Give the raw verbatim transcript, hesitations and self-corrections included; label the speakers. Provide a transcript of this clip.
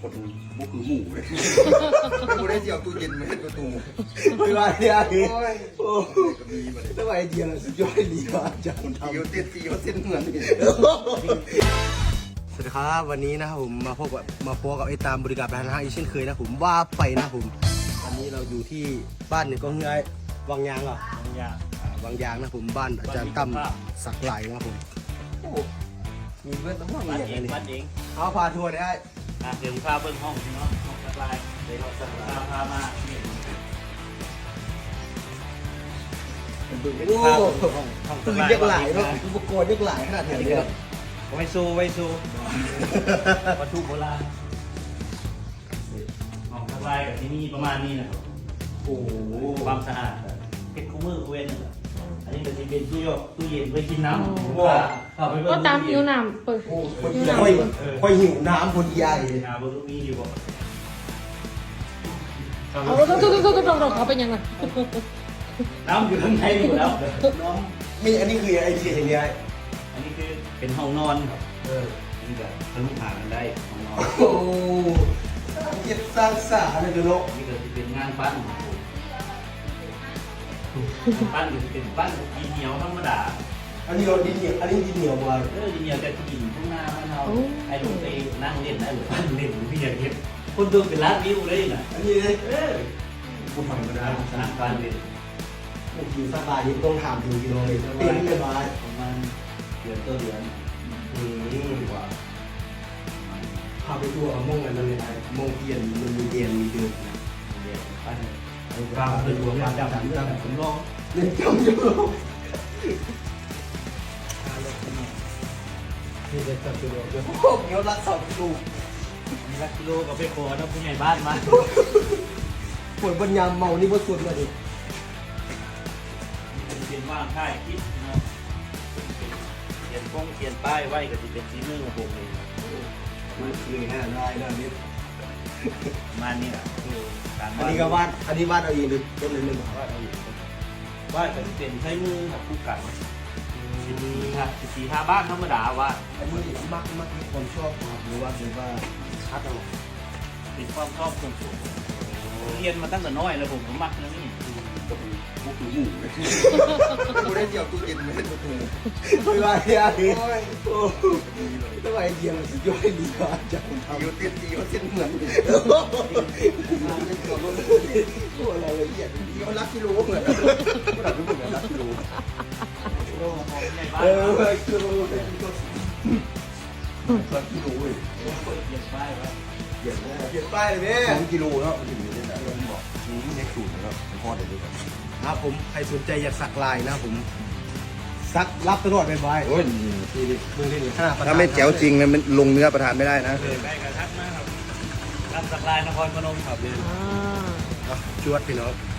Speaker 1: คนบุกคือหมูเลยกูได้เจียวตู้เย็นมาให้ตัวตู
Speaker 2: ไม่ว่าเนี่ย
Speaker 1: โอ้ย
Speaker 2: โอ้
Speaker 1: ก็มีมาเลย
Speaker 2: ทำไมไอเดียสุดยอดดีว่ะอาจารย์ทำ
Speaker 1: เจียวเตี้ยเจียวเส้นเหมือนนี่
Speaker 2: สวัสดีครับวันนี้นะครับผมมาพบกับมาพบกับไอ้ตามบริการประธานห้างอีกเช่นเคยนะผมว่าไปนะผมวันนี้เราอยู่ที่บ้านหนึ่งก็เงยวังยางเหรอ
Speaker 3: บางอย่าง
Speaker 2: อ่าวังยางนะผมบ้านอาจารย์ตั้มสักไหลนะผมโอ้มีเพื่อนต้องว่าง
Speaker 3: บ้าน
Speaker 2: อย่าง
Speaker 3: เอ
Speaker 2: ไร
Speaker 3: ง
Speaker 2: นี่
Speaker 3: บ้านเอง
Speaker 2: เอาพาทัวร์ได้
Speaker 3: อ่ะเดี๋ยวพาเบิ้งห้องพี่น้องห้องสบายเดี๋ยวเราสบายพามานี่
Speaker 2: โอ้
Speaker 3: พาเบิ้งห้องห้องส
Speaker 2: ตื่น
Speaker 3: บาย
Speaker 2: ยักหลายเนาะอุปกรณ์ยักหลายขนาดนี้เลย
Speaker 3: ไว้สู้ไว้สู้วัตถุโบราณห้องสบายกับที่นี่ประมาณนี้นะครับ
Speaker 2: โอ้โห
Speaker 3: ความสะอาดเก็บคู่มือเว้นนะครับอันนี้ก็จะเป็นตู้ยกตู้เย็นไว้กินน้ำ
Speaker 2: ว้า
Speaker 3: เข้าไปเบิ้ง
Speaker 4: ก็ตามหิวน้ำเปิด
Speaker 2: โอ้คนค่อยค่อยหิวน้ำคนใหญ่
Speaker 3: หาเบิ้งลูกนี้อยู่บ่
Speaker 4: เอาต้องต้องต้องต้องต้องเขาเป็นยังไง
Speaker 3: น้ำอยู่ข้างในอยู่แล้ว
Speaker 2: น้องมีอันนี้คือไอเดียอย่างเงี้ย
Speaker 3: อันนี้คือเป็นห้องนอนครับ
Speaker 2: เออ
Speaker 3: นี่ก็ทะลุผ่านกันได้ห้องนอน
Speaker 2: โอ้สร้างเก็บสร้างสารเลยเนาะ
Speaker 3: นี่ก็จะเป็นงานปั้นของผมปั้นก็จะเป็นปั้นดินเหนียวธรรมดา
Speaker 2: อันนี้เราดินเหนียวอันนี้ดินเหนียวมา
Speaker 3: เออดินเหนียวแต่กินข้างหน้าบ้านเราไอ้ลูกไปนั่งเล่นได้หรือปั้นเล่นหรือพี่อยากเก็บคนดูเป็นร้านวิวเลยนะ
Speaker 2: อันนี้เลย
Speaker 3: เออ
Speaker 2: กูทำมาได้
Speaker 3: สนามปั้นเล่น
Speaker 2: บางทีสบายยิ่งต้องถามถึงกิโลเลยเต็มเลยบาย
Speaker 3: ประมาณเดือนตัวเดือน
Speaker 2: อืมกว่าพาไปทัวร์มงกันเลยไอ้มงเทียนมันมีเทียนมีเดือน
Speaker 3: เดือนปั้นกลางเป็นหัวปั้นจับจับผมลอง
Speaker 2: เล่นจำอยู่นี่จะจับตัวเดียวโอ้โหเดี๋ยวรักสองลูก
Speaker 3: มีลักกิโลกับไปขอนะผู้ใหญ่บ้านมา
Speaker 2: ปวดปัญญาเมานี่บ่สุดเลยดิ
Speaker 3: เป็นว่างค่ายคิดเนาะเขียนป้องเขียนป้ายไว้ก็จะเป็นซีมือของผมเอง
Speaker 2: มันคือแค่ได้ได้นิด
Speaker 3: ประมาณนี้แหละการ
Speaker 2: อันนี้ก็วาดอันนี้วาดเอาเองหรือเป็นเลยหนึ่ง
Speaker 3: วาดเอาอยู่วาดก็จะเป็นใช้มือกับคู่กันสิบสี่ท่าสิบสี่ท่าบ้านธรรมดาวาด
Speaker 2: อันนี้มักมักมีคนชอบครับหรือว่าหรือว่าคัดเอา
Speaker 3: เป็นความชอบส่วนตัวเรียนมาตั้งแต่น้อยแล้วผมก็มักนะนี่
Speaker 1: ก็เป็นบุกคือหมูเลยกูได้เจียวตู้เย็นมาให้ตัวตู
Speaker 2: ไม่ว่าเนี่ย
Speaker 1: โอ้ย
Speaker 2: โอ้ทำไมไอเดียมันสุดยอดดีว่ะอาจารย์ทำ
Speaker 1: เจียวเตี้ยเจียวเส้นเหมือนนี่
Speaker 2: น้ำไม่เกี่ยวกับโอ้รายละเอียด
Speaker 1: เจียวรักกิโลเหมือนก็ดับไม่เหมือนรักกิโล
Speaker 3: โอ้ของใหญ่บ้าน
Speaker 2: เออคือเราเป็นก็
Speaker 1: รักกิโลเว้ย
Speaker 3: เขียนป้ายไว้
Speaker 1: เปลี่ยนได้
Speaker 2: เปลี่ยนป้ายเลยแม่
Speaker 1: สองกิโลแล้วมันถึงนี้ได้แล้วบอกนี่เน็กสูตรแล้วพอเดี๋ยวดูกัน
Speaker 2: ครับผมใครสนใจอยากสักลายนะผมสักรับตลอดไปไว้
Speaker 1: โอ้ย
Speaker 2: นี่ดิมึงดิขนาด
Speaker 1: ถ้าไม่แจ๋วจริงนะมันลงเนื้อประทานไม่ได้นะ
Speaker 3: เลยได้กระทักนะครับรับสักลายนครพนมครับเลย
Speaker 4: อ่า
Speaker 2: จวดพี่น้อง